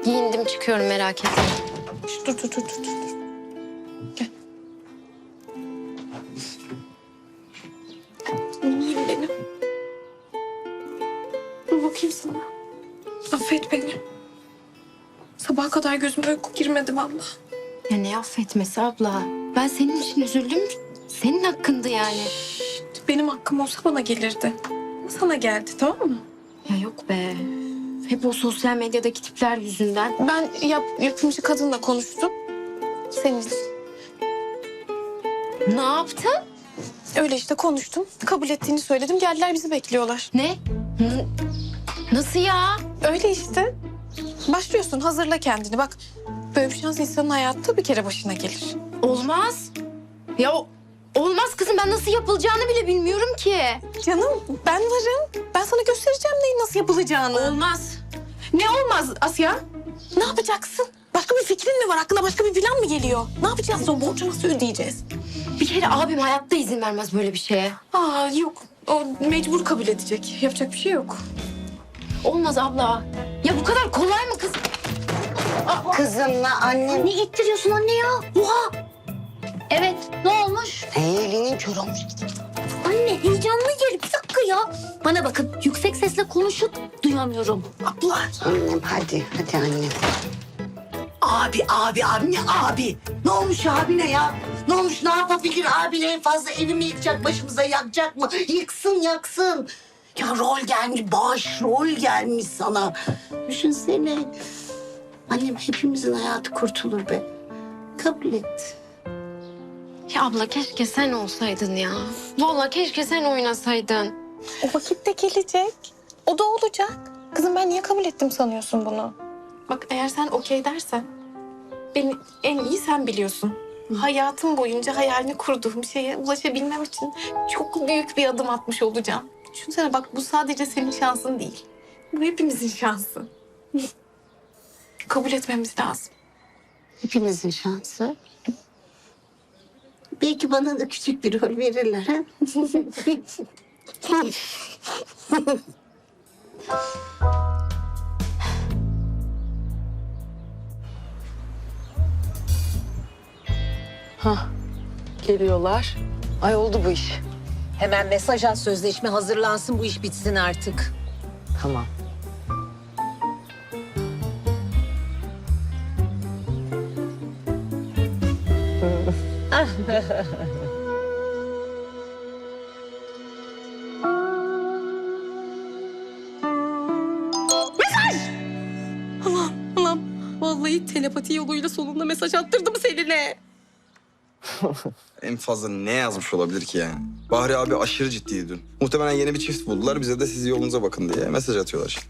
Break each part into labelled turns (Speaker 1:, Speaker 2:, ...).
Speaker 1: Giyindim çıkıyorum, merak etme.
Speaker 2: Dur. Gel. İyiyim benim. Dur bakayım sana. Affet beni. Sabaha kadar gözüme uyku girmedi vallahi.
Speaker 1: Ya ne affetmesi abla? Ben senin için üzüldüm. Senin hakkındı yani.
Speaker 2: Benim hakkım olsa bana gelirdi. Sana geldi, tamam mı?
Speaker 1: Ya yok be. Hep o sosyal medyadaki tipler yüzünden.
Speaker 2: Ben yapımcı kadınla konuştum. Senin için.
Speaker 1: Ne yaptın?
Speaker 2: Öyle işte konuştum. Kabul ettiğini söyledim. Geldiler, bizi bekliyorlar.
Speaker 1: Ne? Nasıl ya?
Speaker 2: Öyle işte. Başlıyorsun, hazırla kendini. Bak, böyle bir şans insanın hayatta bir kere başına gelir.
Speaker 1: Olmaz. Ya olmaz kızım, ben nasıl yapılacağını bile bilmiyorum ki.
Speaker 2: Canım, ben varım. Ben sana göstereceğim neyin nasıl yapılacağını.
Speaker 1: Olmaz.
Speaker 2: Ne olmaz Asya? Ne yapacaksın? Başka bir fikrin mi var? Aklına başka bir plan mı geliyor? Ne yapacağız? O borcu nasıl ödeyeceğiz?
Speaker 1: Bir kere abim hayatta izin vermez böyle bir şeye.
Speaker 2: Aa yok. O mecbur kabul edecek. Yapacak bir şey yok.
Speaker 1: Olmaz abla. Ya bu kadar kolay mı kız?
Speaker 3: Kızımla annem.
Speaker 4: Ne ittiriyorsun anne ya? Oha! Evet, ne olmuş?
Speaker 3: Elinin kör olmuş.
Speaker 4: Anne heyecanlı gel. Bir dakika ya. Bana bakın, yüksek sesle konuşun. Duyamıyorum.
Speaker 3: Abla. Annem hadi annem.
Speaker 5: Abi ne abi? Ne olmuş abine ya? Ne olmuş, ne yapabilir abine? En fazla evimi yıkacak, başımıza yakacak mı? Yaksın. Ya rol gelmiş, başrol gelmiş sana. Düşünsene. Annem, hepimizin hayatı kurtulur be. Kabul et.
Speaker 1: Ya abla keşke sen olsaydın ya. Vallahi keşke sen oynasaydın.
Speaker 2: O vakit de gelecek. O da olacak. Kızım, ben niye kabul ettim sanıyorsun bunu? Bak, eğer sen okey dersen... beni en iyi sen biliyorsun. Hayatım boyunca hayalini kurduğum şeye ulaşabilmem için çok büyük bir adım atmış olacağım. Düşünsene bak, bu sadece senin şansın değil. Bu hepimizin şansı. Kabul etmemiz lazım.
Speaker 5: Hepimizin şansı. Belki bana da küçük bir rol verirler ha?
Speaker 6: Geliyorlar. Ay oldu bu iş.
Speaker 7: Hemen mesaj at, sözleşme hazırlansın, bu iş bitsin artık.
Speaker 6: Tamam.
Speaker 2: Anam, vallahi telepati yoluyla sonunda mesaj attırdım Selin'e.
Speaker 8: En fazla ne yazmış olabilir ki yani? Bahri abi aşırı ciddiydi dün. Muhtemelen yeni bir çift buldular. Bize de siz yolunuza bakın diye mesaj atıyorlar şimdi.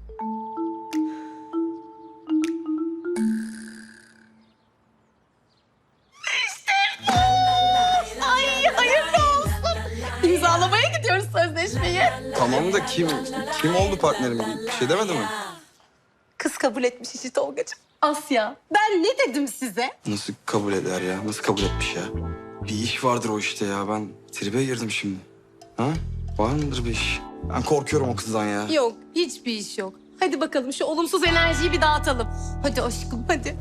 Speaker 2: İmzalamaya gidiyoruz sözleşmeyi.
Speaker 8: Tamam da kim oldu partnerim? Bir şey demedi mi?
Speaker 2: Kız kabul etmiş işi Tolgacığım. Asya, ben ne dedim size?
Speaker 8: Nasıl kabul eder ya? Nasıl kabul etmiş ya? Bir iş vardır o işte ya. Ben tribe girdim şimdi. Ha? Var mıdır bir iş? Ben korkuyorum o kızdan ya.
Speaker 2: Yok, hiçbir iş yok. Hadi bakalım şu olumsuz enerjiyi bir dağıtalım. Hadi aşkım, hadi.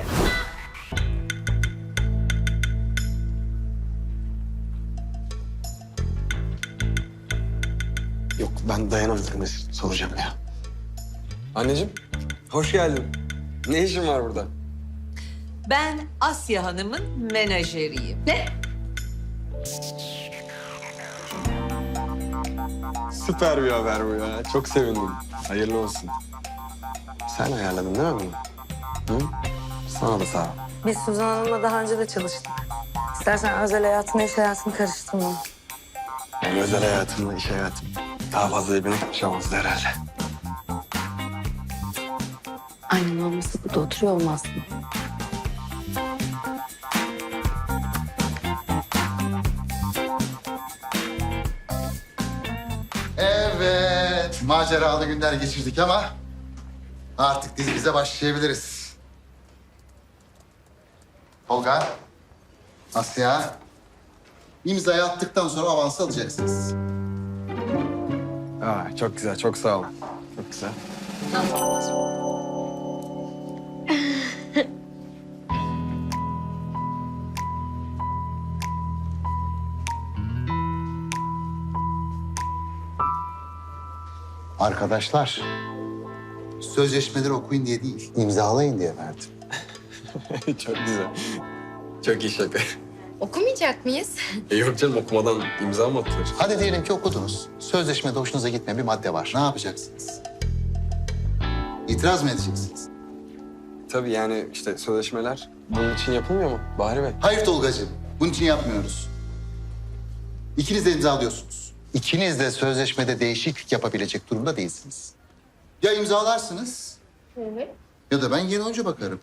Speaker 9: Yok ben dayanamadım. Soracağım ya.
Speaker 8: Anneciğim, hoş geldin. Ne işin var burada?
Speaker 7: Ben Asya Hanım'ın menajeriyim. Ne?
Speaker 9: Süper bir haber bu ya. Çok sevindim. Hayırlı olsun. Sen ayarladın değil mi bunu? Hı? Sana da sağ ol.
Speaker 6: Biz Suzan Hanım'la daha önce de çalıştık. İstersen özel hayatını, iş hayatını karıştırma.
Speaker 9: Yani özel hayatımla iş hayatım daha fazla birbirine karışamazdı herhalde.
Speaker 6: Aynen olması burada oturuyor olmaz mı?
Speaker 10: Evet, maceralı günler geçirdik ama artık dizimize başlayabiliriz. Tolga, Asya, imzayı attıktan sonra avansı alacaksınız.
Speaker 8: Aa, çok güzel, çok sağ ol. Çok güzel.
Speaker 10: Arkadaşlar, sözleşmeleri okuyun diye değil, imzalayın diye verdim.
Speaker 9: Çok güzel. Çok iyi şaka.
Speaker 1: Okumayacak mıyız?
Speaker 9: Yok canım, okumadan imza mı atılır?
Speaker 10: Hadi diyelim ki okudunuz. Sözleşmede hoşunuza gitmeyen bir madde var. Ne yapacaksınız? İtiraz mı edeceksiniz?
Speaker 9: Tabii yani işte sözleşmeler bunun için yapılmıyor mu Bahri Bey?
Speaker 10: Hayır Tolgacığım, bunun için yapmıyoruz. İkiniz de imzalıyorsunuz. İkiniz de sözleşmede değişiklik yapabilecek durumda değilsiniz. Ya imzalarsınız ya da ben geri önce bakarım.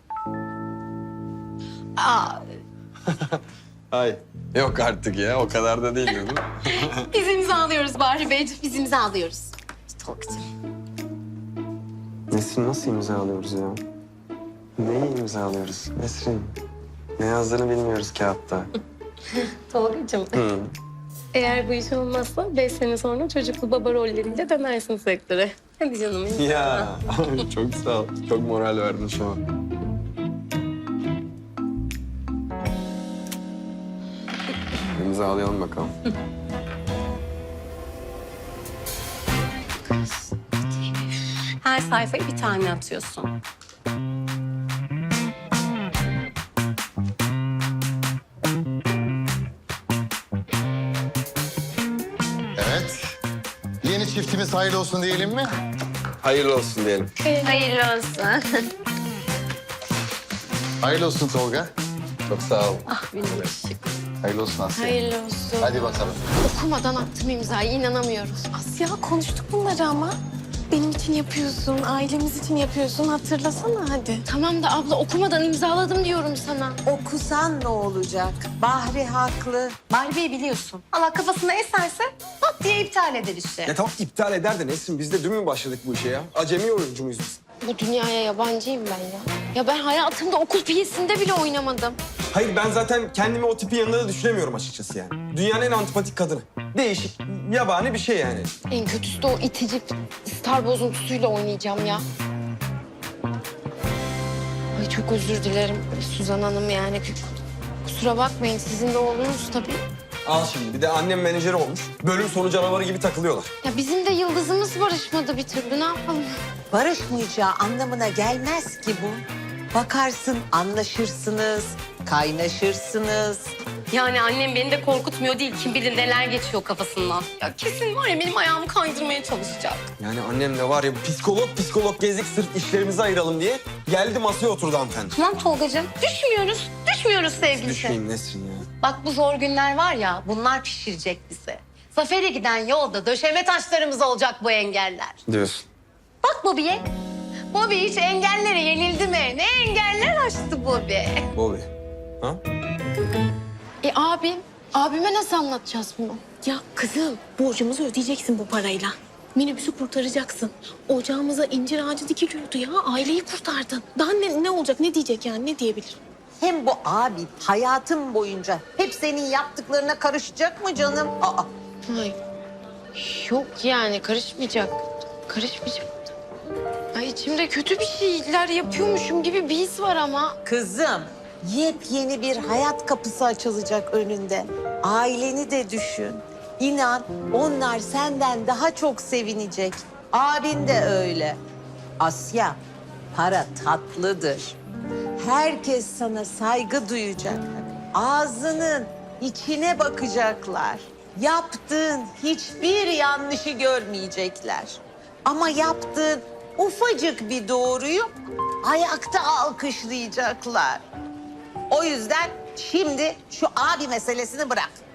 Speaker 9: Ay. Yok artık ya, o kadar da değil değil mi?
Speaker 1: Biz imzalıyoruz Bahri Beyciğim. Biz imzalıyoruz. Tolgacığım.
Speaker 9: Nesrin, nasıl imzalıyoruz ya? Neyi imzalıyoruz Nesrin? Ne yazdığını bilmiyoruz kağıtta.
Speaker 2: Tolgacığım.
Speaker 9: Hı.
Speaker 2: Eğer bu iş olmazsa 5 sene sonra çocuklu baba rolleriyle dönersin sektöre. Hadi canım.
Speaker 9: Ya çok sağ ol. Çok moral verdin şu an. İmzalayalım bakalım.
Speaker 2: Her sayfayı bir tane atıyorsun.
Speaker 10: Evet. Yeni çiftimiz hayırlı olsun diyelim mi?
Speaker 9: Hayırlı olsun diyelim.
Speaker 1: Hayırlı olsun.
Speaker 10: Hayırlı olsun Tolga.
Speaker 9: Çok sağ ol.
Speaker 10: Hayırlı olsun Asya.
Speaker 1: Hayırlı olsun.
Speaker 10: Hadi bakalım.
Speaker 1: Okumadan attım imzayı. İnanamıyorum.
Speaker 2: Asya konuştuk bunları ama. Benim için yapıyorsun, ailemiz için yapıyorsun. Hatırlasana hadi.
Speaker 1: Tamam da abla okumadan imzaladım diyorum sana.
Speaker 7: Okusan ne olacak? Bahri haklı.
Speaker 4: Bahri Bey biliyorsun. Allah kafasına eserse pat diye iptal eder işte.
Speaker 8: Ya tamam iptal eder de Nesrin, biz de dün mü başladık bu işe ya? Acemi oyuncu muyuz biz?
Speaker 1: Bu dünyaya yabancıyım ben ya. Ya ben hayatımda okul piyesinde bile oynamadım.
Speaker 8: Hayır, ben zaten kendimi o tipin yanında da düşünemiyorum açıkçası yani. Dünyanın en antipatik kadını. Değişik, yabani bir şey yani.
Speaker 1: En kötüsü de o itici star bozuntusuyla oynayacağım ya. Ay çok özür dilerim Suzan Hanım yani. Kusura bakmayın, sizin de oğlunuz tabii.
Speaker 8: Al şimdi, bir de annem menajeri olmuş. Bölüm sonu canavarı gibi takılıyorlar.
Speaker 1: Ya bizim de yıldızımız barışmadı bir türlü, ne yapalım?
Speaker 7: Barışmayacağı anlamına gelmez ki bu. Bakarsın anlaşırsınız, kaynaşırsınız.
Speaker 2: Yani annem beni de korkutmuyor değil. Kim bilir neler geçiyor kafasından. Ya kesin var ya benim ayağımı kaydırmaya çalışacak.
Speaker 8: Yani annem de var ya, psikolog gezdik sırf işlerimizi ayıralım diye geldi masaya oturdu hanımefendi.
Speaker 4: Tamam Tolgacığım. Düşmüyoruz sevgilisi.
Speaker 8: Düşmeyeyim Nesrin ya.
Speaker 4: Bak bu zor günler var ya bunlar pişirecek bizi. Zafer'e giden yolda döşeme taşlarımız olacak bu engeller.
Speaker 9: Diyorsun.
Speaker 4: Bak Bobby'ye. Bobby hiç engellere yenildi mi? Ne engeller aştı Bobby.
Speaker 8: Bobby. Ha?
Speaker 1: Abime nasıl anlatacağız bunu?
Speaker 2: Ya kızım borcumuzu ödeyeceksin bu parayla. Minibüsü kurtaracaksın. Ocağımıza incir ağacı dikiliyordu ya. Aileyi kurtardın. Daha ne olacak? Ne diyecek yani? Ne diyebilir?
Speaker 7: Hem bu abi hayatım boyunca hep senin yaptıklarına karışacak mı canım? Aa,
Speaker 1: Ay. Yok yani karışmayacak. Karışmayacak. Ay içimde kötü bir şeyler yapıyormuşum gibi bir his var ama.
Speaker 7: kızım, yepyeni bir hayat kapısı açılacak önünde. Aileni de düşün. İnan onlar senden daha çok sevinecek. Abin de öyle. Asya, para tatlıdır. Herkes sana saygı duyacak. Ağzının içine bakacaklar. Yaptığın hiçbir yanlışı görmeyecekler. Ama yaptığın ufacık bir doğruyu ayakta alkışlayacaklar. O yüzden şimdi şu abi meselesini bırak.